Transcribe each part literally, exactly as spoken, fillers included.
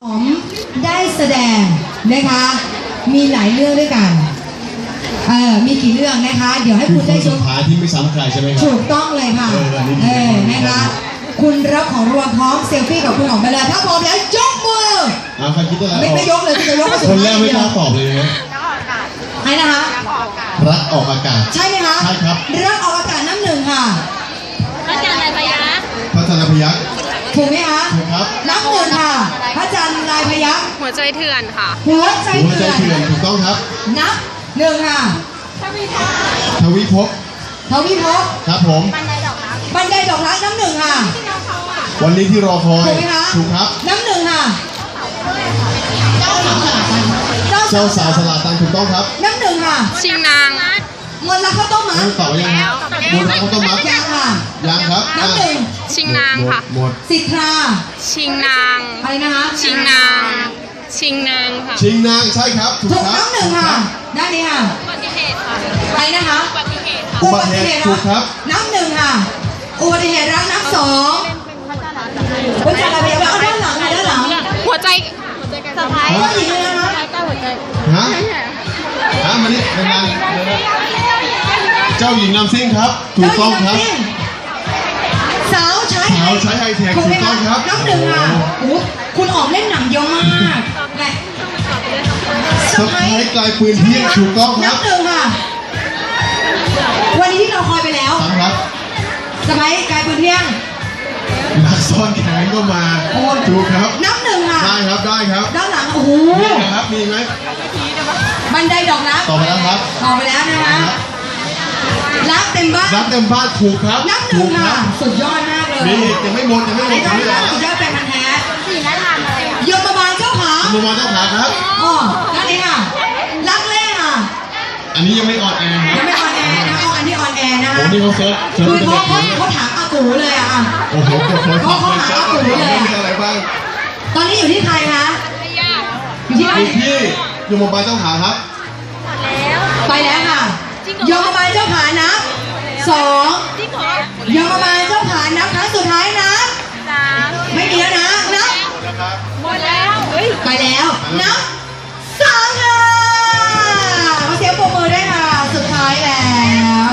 หอมได้แสดงนะคะมีหลายเรื่องด้วยกันเออมีกี่เรื่องนะคะเดี๋ยวให้คุณได้ชมสุดท้ายที่ไม่ซ้ำใครใช่ไหมครับถูกต้องเลยค่ะเออนะคะคุณรับของรวมพร้อมเซลฟี่กับคุณหอมไปเลยถ้าพร้อมแล้วยกมืออ่าใครคิดอะไรไม่ไม่ยกเลยจะยกก็สุดคนแรกไม่กล้าตอบเลยนะไอ้นะคะรักออกอากาศใช่ไหมคะใช่ครับรักออกอากาศน้ำหนึ่งค่ะพระจันทร์ลายพยัคฆ์พระจันทร์พยัคฆ์ถูกไหมคะถูกครับน้ำหนึ่งค่ะพระจันทร์ลายพยัคฆ์หัวใจเถื่อนค่ะหัวใจหัวใจเถื่อนเถื่อนถูกต้องครับนับหนึ่งค่ะทวิภพทวิภพครับผมบันไดดอกรักน้ำหนึ่งค่ะวันนี้ที่รอคอยถูกไหมคะถูกครับน้ำหนึ่งค่ะเจ้าสาวสลาตันถูกต้องครับน้ำหนึ่งค่ะชิงนางมนต์รักข้าวต้มมัดน้ำเต่ายังครับมนต์รักข้าวต้มมัดยังค่ะยังครับน้ำหนึ่งชิงนางค่ะหมดสิทธาชิงนางอะไรนะคะชิงนาง ชิงนางค่ะชิงนางใช่ครับถูกถูกครับน้ำหนึ่งค่ะด้านนี้ค่ะอุบัติเหตุค่ะอะไรนะคะอุบัติเหตุค่ะอุบัติเหตุถูกครับน้ำหนึ่งค่ะอุบัติเหตุรักน้ำสองพระจันทร์ลายพยัคฆ์เอาด้านหลังค่ะด้านหลังหัวใจสะพายก็หญิงเลยนะคะฮะฮะมานี่นานๆเจ้าหญิงนำซิ่งครับ ถูกต้องครับสาวใช้สาวใช้ไฮเทคถูกไหมถูกต้คะองครับน้ำหนึ่งค่ะโอ้คุณออกเล่นหนังเยอะมากแหละสะพายกลายปืนเที่ยงถูกต้องครับน้ำหนึ่งค่ะ วันนี้ที่เราคอยไปแล้วสามครับสะพายกลายเป็นเที่ยงนักซ่อนแขนก็มาถูกครับน้ำหนึ่งค่ะได้ครับได้ครับด้านหลังโอ้โหมีนะครับมีไหมบันไดดอกรักต่อไปแล้วครับต่อไปแล้วนะคะรักเต็มบ้านรับเต็มบ้านถูกครับน้ำหนึ่ถูงกคค่ะรับสุดยอดมากเลยมีอีกยังไม่หมดยังไม่หมไอ้ดท่านไม่นี้ได้สุดยอดเป็นพันธุ์แท้สีน่าทานอะไรอ่ะโยมบาลเจ้าขาคุณมาเจ้าขาครับอ๋อด้านนี้ค่ะรักเล่ค่ะอันนี้ยังไม่ออนแอร์คยัรังบไม่ออนแอร์นะเอาอันนี้ออนแอร์นะโอ้คะนี่เขาเซิร์ชเซิร์ชคือเป็นเขาเด็กเขาเขาถามอากูเลยอะอ่ะโอ้โหกดโทรศัพท์เขาหาอากูเลยอะมีอะไรบ้างตอนนี้อยู่ที่ใครคะไม่ยากอยู่ที่ใครอยู่ที่ยมบาลเจ้าขาครับแล้วไปแล้วค่ะโยมบาลเจ้าขานับสองที่ขอโยมบาลเจ้าขานับครั้งสุดท้ายนะสามไม่มีแล้วนะนับหมดแล้วเฮ้ยไปแล้วนับสามค่ะขอเสียงปรบมือด้วยค่ะสุดท้ายแล้ว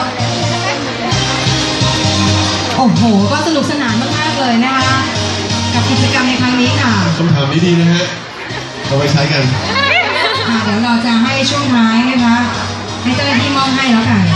โอ้โหก็สนุกสนานมากๆเลยนะคะกับกิจกรรมในครั้งนี้ค่ะคำถามนี้ดีนะฮะเอาไปใช้กันอ่ะเดี๋ยวเราจะให้ช่วงท้ายนะคะให้เจ้าหน้าที่มอบให้แล้วกัน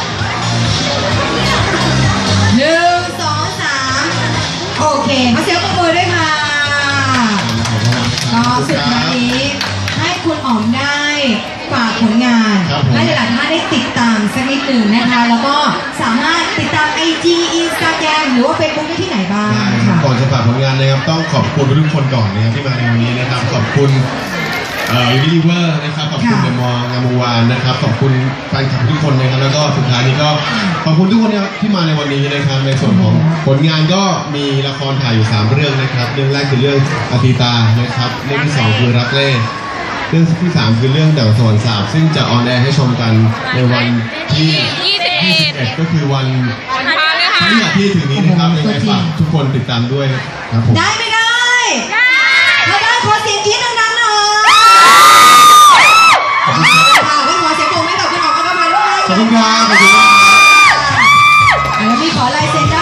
หนึ่งสองสามโอเคขอเสียงปรบมือด้วยค่ะก็สุดท้ายนี้ให้คุณอ๋อมได้ฝากผลงานครับผมให้หลายๆท่านได้ติดตามสักนิดหนึ่งนะคะ แล้วก็สามารถติดตาม ไอ จี Instagram หรือว่า Facebook ได้ที่ไหนบ้างได้ครัค่ะบก่อนจะฝากผลงานนะครับต้องขอบคุณทุกคนก่อนนะครับที่มาในวันนี้นะครับขอบคุณเอ่อยูนิเวอร์นะครับขอบคุณค่ะเดอะมอลล์งามวงศ์วานนะครับขอบคุณแฟนคลับทุกคนนะครับแล้วก็สุดท้ายนี้ก็ขอบคุณทุกคนนะครับที่มาในวันนี้นะครับในส่วนของผลงานก็มีละครถ่ายอยู่สามเรื่องนะครับเรื่องแรกคือเรื่องอติตานะครับเรื่องที่สองคือรักเล่เรื่องที่สามคือเรื่องเดาสวรรค์สาบซึ่งจะออนแอร์ให้ชมกันในวันที่ยี่สิบเอ็ยี่สิบดเอ็ดก็คือวันวันพาเลยค่ะพฤหัสที่ถึงนี้นะครับยังไงฝากทุกคนติดตามด้วยครับผมได้ไม่ได้ได้ถ้าได้ขอเสียงกรี๊ดดังๆหน่อยค่ะไม่ขอเสียงปรบมือให้กับคุณอ๋อมอัครพันธ์ด้วยขอบคุณครับขอบคุณครับแล้วมีขอลายเซ็น